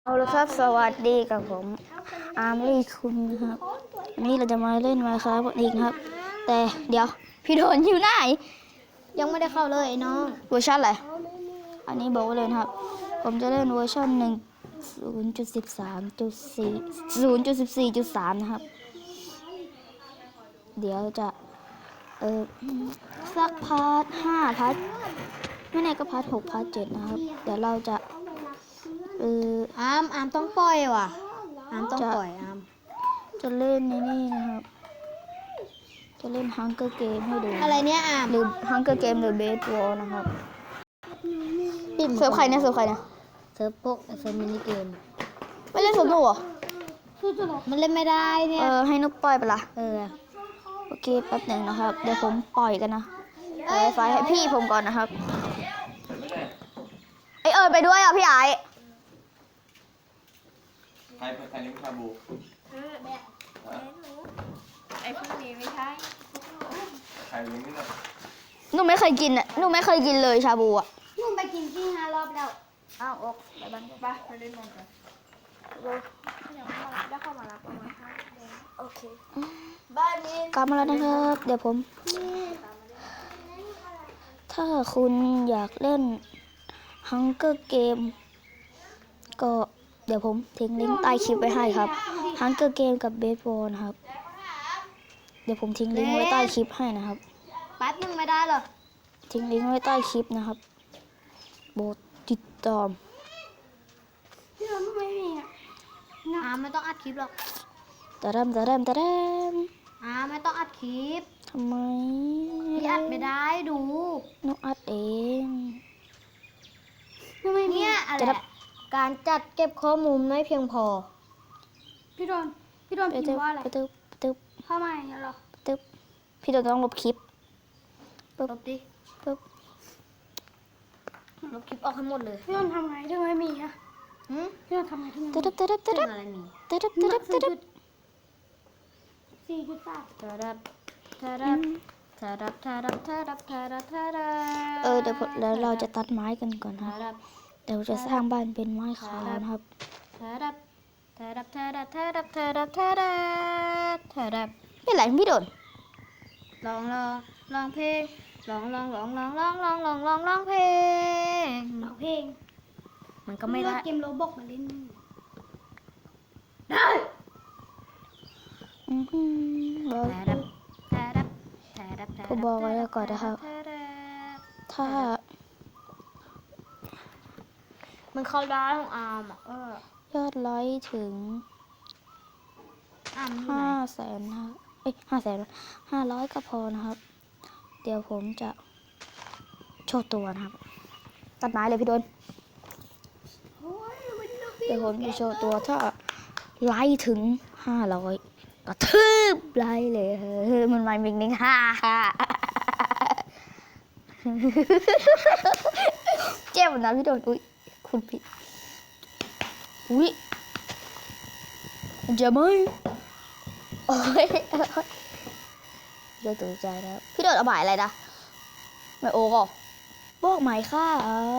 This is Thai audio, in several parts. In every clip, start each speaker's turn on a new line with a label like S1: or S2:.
S1: เอาละครับสวัสดีกับผมอาร์มลี่คุณนะครับวันนี้เราจะมาเล่นมาครับอีกนะครับ แต่เดี๋ยวพี่โดนอยู่ไหน
S2: ยังไม่ได้เข้าเลยน้อง
S1: เวอร์ชันอะไรอันนี้บอกไว้เลยนะครับผมจะเล่นเวอร์ชัน0.13.3นะครับเดี๋ยวจะสักพาร์ท5พาร์ทไม่แน่ก็พาร์ท6พาร์ท7นะครับเดี๋ยวเราจะ
S2: อามต้องปล่อยว่ะอามต้องปล่อย
S1: จะเล่นในนี่นะครับจะเล่นฮังเกอร์เกมให้ดู
S2: อะไรเนี่ย
S1: หรือฮังเกอร์เกมหรือเบสบอลนะครับเซิร์ฟใครเนี่ยเซิร์ฟ
S2: พวกเซิร์ฟมินิเกม
S1: ไม่เล่นสนุกเหรอ
S2: มันเล่นไม่ได้เนี่ย
S1: ให้นุกปล่อยไปละ
S2: โ
S1: อเคแป๊บหนึ่งนะครับเดี๋ยวผมปล่อยกันนะไฟให้พี่ผมก่อนนะครับไปด้วยอ่ะพี่ไอ
S3: ใครเลี้ยงชาบู
S4: ไอ้พวกนี้ไม่ใช่
S3: ใครเลี้ยงนี่แหละ
S1: หนูไม่เคยกินอ่ะหนูไม่เคยกินเลยชาบูอ่ะ
S2: นุ่มไปกินที่5 รอบแล้ว
S1: อ้าวอกไปบ้าน
S4: ไปเล่นมันกันยังไม่มาได้เข้ามารับประมาณ5 เดือน
S1: โอเคบ้านนี้กลับมาแล้วนะครับเดี๋ยวผมถ้าคุณอยากเล่นฮังเกอร์เกมก็เดี๋ยวผมทิ้งลิงก์ใต้คลิปไว้ให้ครับฮังเกอร์เกมกับเบสบอลนะครับเดี๋ยวผมทิ้งลิงก์ไว้ใต้คลิปให้นะครับ
S2: แป๊บนึงไม่ได้หรอ
S1: ทิ้งลิงก์ไว้ใต้คลิปนะครับโปรดติดตาม
S2: พี่เราไม่มีไม่ต้องอัดคลิปหรอก
S1: ตะดำ
S2: ไม่ต้องอัดคลิป
S1: ทำไม
S2: พี่อัดไม่ได้ดู
S1: น้องอัดเอง
S2: เนี่ยอะไรการจัดเก็บข้อมูลไม่เพียงพอพี่โดนพิมพ์ว่าอะไร
S1: ตึ๊บ
S2: เข้ามาอย่างเงี้ยหรอ
S1: ตึ๊บพี่โดนต้องลบคลิป
S2: ลบดิลบคลิปออกให้หมดเลย
S4: พี่โดนทำไงถึงไม่มีอะพี่โดนทำไงถึงไม่มี
S1: ตึ๊บ
S2: อะไรมี
S1: เดี๋ยวแล้วเราจะตัดไม้กันก่อนครับเดี๋ยวจะสร้างบ้านเป็นไม้ขาวนะครับนี่แหละพี่โดน
S2: ลองเพลงลองเพลงมันก็ไม่ได้เกมโรบอกมาเล่นได้
S1: ผมบอกไว้แล้วก่อนนะครับถ้า
S2: มันเข้าได้ของอาร์ม
S1: ยอดไลค์ถึง500,000นะ500,000ก็พอนะครับเดี๋ยวผมจะโชว์ตัวนะครับตัดไม้เลยพี่โดนเดี๋ยวผมจะโชว์ตัวถ้าไลค์ถึง500กระทืบไลค์เลยมันไม่มิงนิ่งเจ็บนะพี่โดนอุ้ยคุณผิดอุ้ยจะไม่โอ้ยเดี๋ยวตื่นใจแล้วพี่โดนเอาหมายอะไรนะไม่โอ้ก็บอกหมายข้า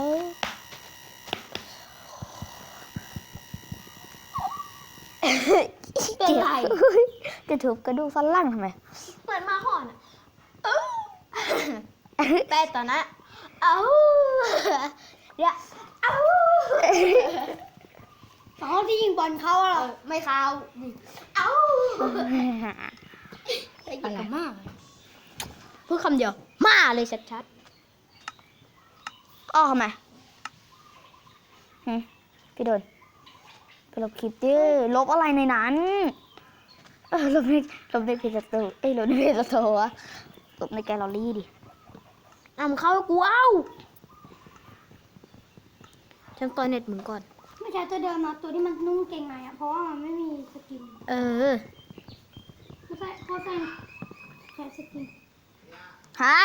S2: เป็นไร
S1: จะถูกกระดูกฟันล่างทำไม
S2: เหมือนมาห่อนแป้ตอนนั้นเนี่ยตอนที่ยิงบอลเข้าหรอไม่เข้าอะไรมากพูดคำเดียวมาเลยชัด
S1: ๆทำไมพี่โดนไปลบคลิปดิลบอะไรในนั้นลบในเพจสโตร์ลบในเพจสโตร์วะลบในแกลเลอรี่ดิ
S2: เข้ากูฉันต่อยเน็ตมึงก่อน
S4: ไม่ใช่ตัวเดิมนะตัวที่มันนุ่งเกงในเพราะว่ามันไม่มีสกินเขาใส่แค่สกิน
S1: ฮะ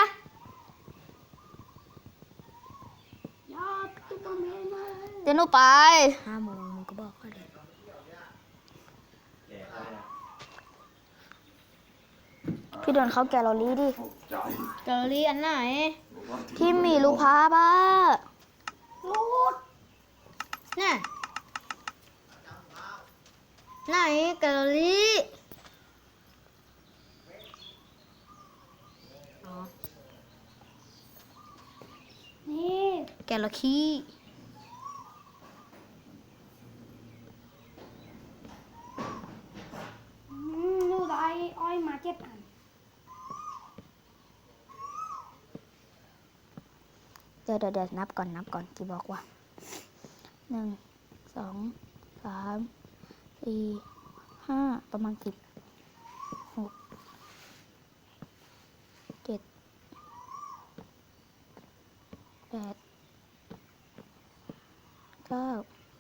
S4: ยอดตุ๊กตาเมย์มา
S1: เดี๋ยวหนูไป
S2: 5 โมงมึงก็บอกเขาเลย
S1: พี่โดนเข้าแกลเลอรี่ดิ
S2: แกลเลอรี่อันไหน
S1: ที่มีรูปภาพ
S2: รูดน่ะไหนแกลเลอรี่อ๋อ
S4: นี่
S2: แกลเลอรี่
S4: ลูกอ้อยมา7 อัน
S1: เดี๋ยวนับก่อนกี่บอกว่า1 2 3 4 5ประมาณ10 6 7 8 9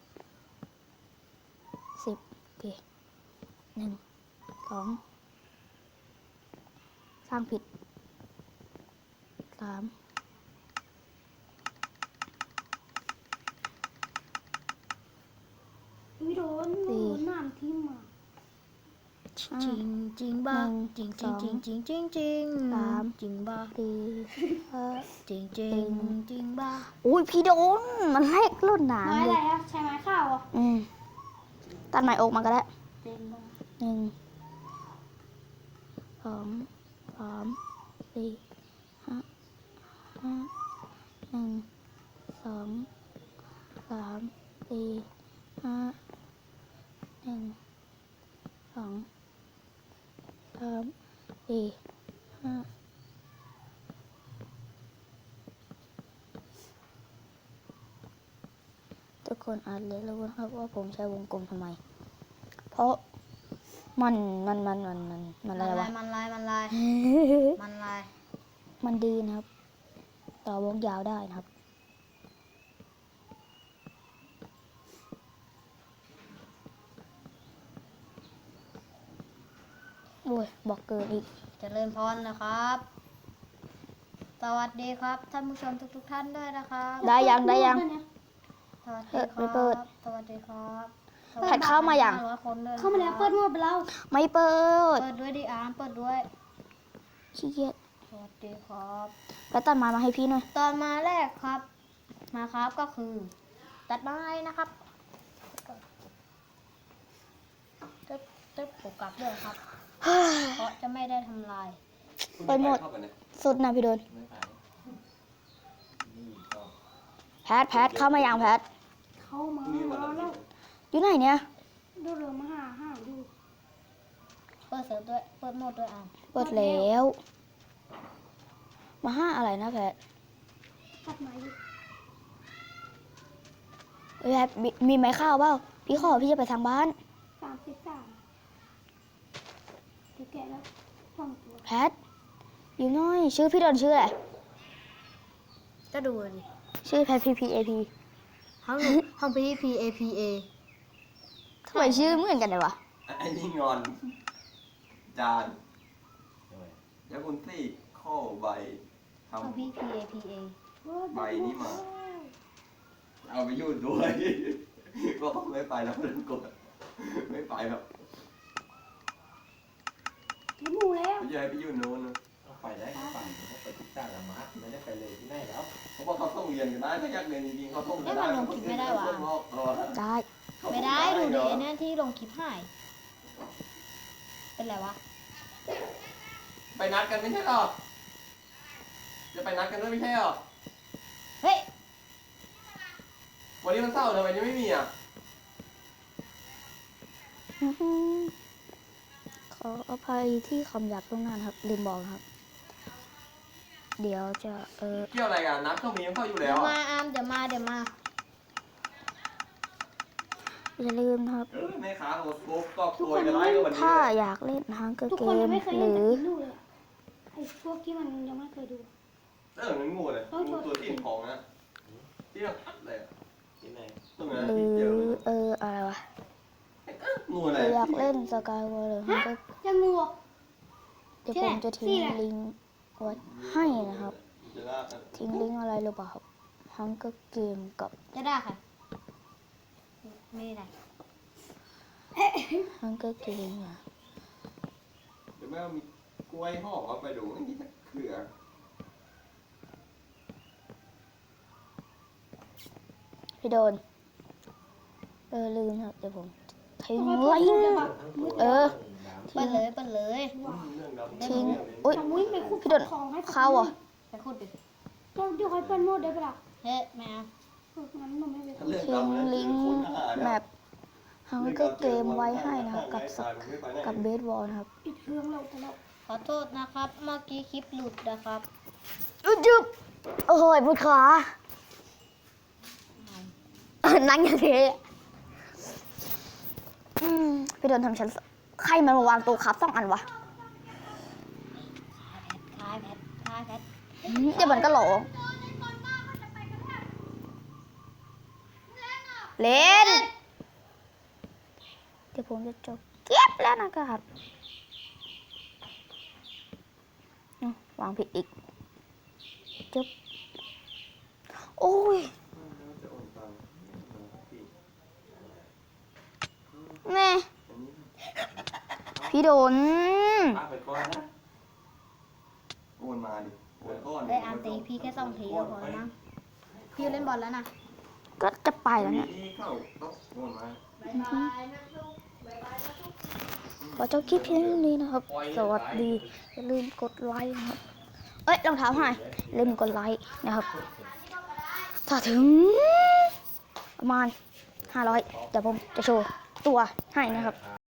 S1: 10โอเค1 2สร้างผิด3
S4: วิโดนน้ำทิ่มอ่ะ
S2: จริงจริงบ้า
S1: หนึ่ง
S2: จริง
S1: ส
S2: จริ
S1: อง ง
S2: จริงจริงจริง
S1: สาม
S2: จริงบ้า
S1: 4 5
S2: จริงจริงจริงบ้า
S1: อุ้ยพี่โดนมันแลกรุ่นหนา
S4: ไม้
S1: เล
S4: อะไร
S1: ย
S4: อ่ะใช้ไม้ข้าวอ่ะ
S1: ตัดใหม่อกมาก็ได้
S4: เต็มบ้า
S1: 1 2 3 4 5 1 2 3 4 5 1 2 3 4 5ทุกคนอาจเลยรู้นะครับว่าผมใช้วงกลมทำไม เพราะมันอะไรวะ
S2: มันลายมันลาย
S1: มันดีนะครับ ต่อวงยาวได้นะครับ โอ้ย บอกเกินอีก
S2: เจริญพรนะครับ สวัสดีครับท่านผู้ชมทุกท่านด้วยนะครับ
S1: ได้ยัง
S2: สวัสดีค
S1: ไม่เปิ
S2: รั
S1: ด
S2: บสวัสดีครับ
S1: แพทเข้ามายัง
S2: 500คนด้วย
S4: เข้ามาแล้วเปิดหมดไปแล้ว
S1: ไม่เปิด
S2: เปิดด้วยดิอาร์มเปิดด้วย
S1: ขี้เกียจ
S2: สวัสดีครับ
S1: แล้วตัดไม้มาให้พี่หน่อย
S2: ตอนมาแรกครับ มาครับก็คือ ตัดไม้นะครับตึ๊บผมกลับด้วยครับ เพราะจะไม่ได้ทำลาย
S1: ไปหมด
S3: เข้าไปเนี่ย
S1: สุดนะพี่โดน
S3: ไม่ไปนี่ก็
S1: แพทเข้ามายังแพท
S4: เข้ามา
S3: พรุ่งนี้วันอาทิ
S4: แล้ว
S3: ตย์
S1: อยู่ไหนเนี่ย
S4: ดูเรือมาหาดู
S2: เปิดเสิร์ฟด้วย เปิดโหมดด้วยอาร์ม
S1: เปิดแล้ว มาห้าอะไรนะแพท
S4: ตัดไม้ดิ
S1: แพทมีไม้ข้าวเปล่าพี่ขอพี่จะไปทางบ้าน
S4: 33เดี๋ยวแกะแล้ว2 ตัว
S1: แพทอยู่หน้อย ชื่อพี่โดนชื่ออะไร
S2: ก็ดูดิ
S1: ชื่อแพท PPAP
S2: ห้อง PPAPA
S1: ทำไมชื่อเหมือนกันเลยวะ
S3: ไอ้นี่งอน จานยาคุณซี่ข้อใบท
S2: ห้อง PPAPA
S3: ำใบนี้มา เอาไปยุ่นด้วย ก็ไม่ไปแล้วเพื่อนกดไม่ไปหรอก
S4: ที่หมูแล้ว
S3: ไม่ใช่ให้ไปยุ่นโน้นนะ
S5: ไปได้ก็ไปเขาไปที่จ้างละมาร์ไม่ได้ไปเลยที่ไหนแล้ว
S3: เพราะว่าเขาต้องเรียนกันได้ถ้าอยากเรียนจริงๆเขาต้อง
S2: เอ๊ะมันลงคลิปไม่ได้วะ
S1: ได้
S2: ไม่ได้ดูดิไอ้นั่นที่ลงคลิปหาย เป็นไรวะ
S3: ไปนัดกันไม่ใช่หรอ จะไปนัดกันด้วยไม่ใช่หรอ
S2: เฮ้ย
S3: วันนี้มันเศร้าทำไมยังไม่มีอ่ะ
S1: อื้อหือขออภัยที่คำหยาบตรงนั้นครับ ลืมบอกนะครับ เดี๋ยวจะ
S3: เกี่ยวอะไรกันนัดก็มีมันเข้าอยู่
S2: เดี๋
S3: แล้
S2: ยว
S3: ว
S2: มา
S3: อ่ะ
S2: อาร์มเดี๋ยวมา
S1: อย่าลืมนะครับ
S3: แม่ค้าโอ้โหก็โวยกันไล่ก็วันนี้
S1: ถ้าอยากเล่นฮังเกอร์
S4: ทุก
S1: เก
S4: คนยั
S1: ม
S4: งไม่เคย
S1: ห
S4: เล่น
S1: รื
S4: แต่
S1: อ
S4: กินดูเลยอะไอ้พวกที่มันยังไม่เคยดู
S3: งั้นงูเลยงูตัวที่ของนะที่เราพัดเลย
S5: ที่ไหน
S3: ตรงนั้น
S1: หรื
S3: ที่เจอ
S1: ออะไรวะ
S3: งูอะไร
S1: อยากเล่นสกายวอลหรือฮังเกอร์
S4: จะงูอ่ะ
S1: เดี๋ยวผมจะทิ้งลิงก์ไว้ให้นะครับ
S3: จะลากกัน
S1: ทิ้งลิงก์อะไรหรือเปล่าครับฮังเกอร์เกมกับ
S2: จะได้ค่ะ ไม่ได้
S1: ฮังเกอร์เกมเนี่ย
S3: เดี๋ยวแม่มีกล้วยห่อเอาไปดูนี่เขือ
S1: พี่โดนลืมครับเดี๋ยวผมททิ้งลิงเออ
S2: เปิดเลยเปิดเลย
S3: เรื่องดำ
S1: ทิ้งอุ้ย
S4: เอาวิ่งไปขุด
S1: พี่โดน
S4: ของให้
S1: เข้าเหรอ่ะ
S2: ไปขุดดิ
S4: เดี๋ยวค่อยเปิดโหมดได้ปะล่ะ
S2: เฮ้ยแมว
S4: งั้นหนูไม่ไป
S3: ถ้าเรื่อง
S1: ทิ้ง
S3: ดำ
S1: ลิงก์แบบฮังเกอร์เกมไว้ให้นะครับกับเบสบอลนะครับ
S4: ปิดเครื่องเราแต่เรา
S2: ขอโทษนะครับ เมื่อกี้คลิปหลุดนะครับ
S1: จุ๊บโอ้ยปวดขานั่งอย่างนี้พี่โดนทำฉันใครมันมาวางตัวครับ2 อันวะ
S2: คลายแพทคลายแพท
S1: เดี๋ยวมันก็หลงเล่นเดี๋ยวผมจะจบเก็บแล้วนะครับวางผิดอีกจบโอ้ยแม่พี่โดน
S5: ป้าไปก่อนนะ
S3: โอนมาดิโอนก้อน
S2: ได้อาร์ตีพี่แค่2 ทีก็พอแล้วมั้งพี่เล่นบอลแล้วนะ
S1: ก็จะไปแล้วเนี่ย
S3: นี่เข้าต้องโอนมา
S1: ขอจบคลิปเพียงเท่านี้นะครับ สวัสดีอย่าลืมกดไลค์นะครับเอ้ยรองเท้าหายอย่าลืมกดไลค์นะครับถ้าถึงประมาณ500เดี๋ยวผมจะโชว์ตัวให้นะครับ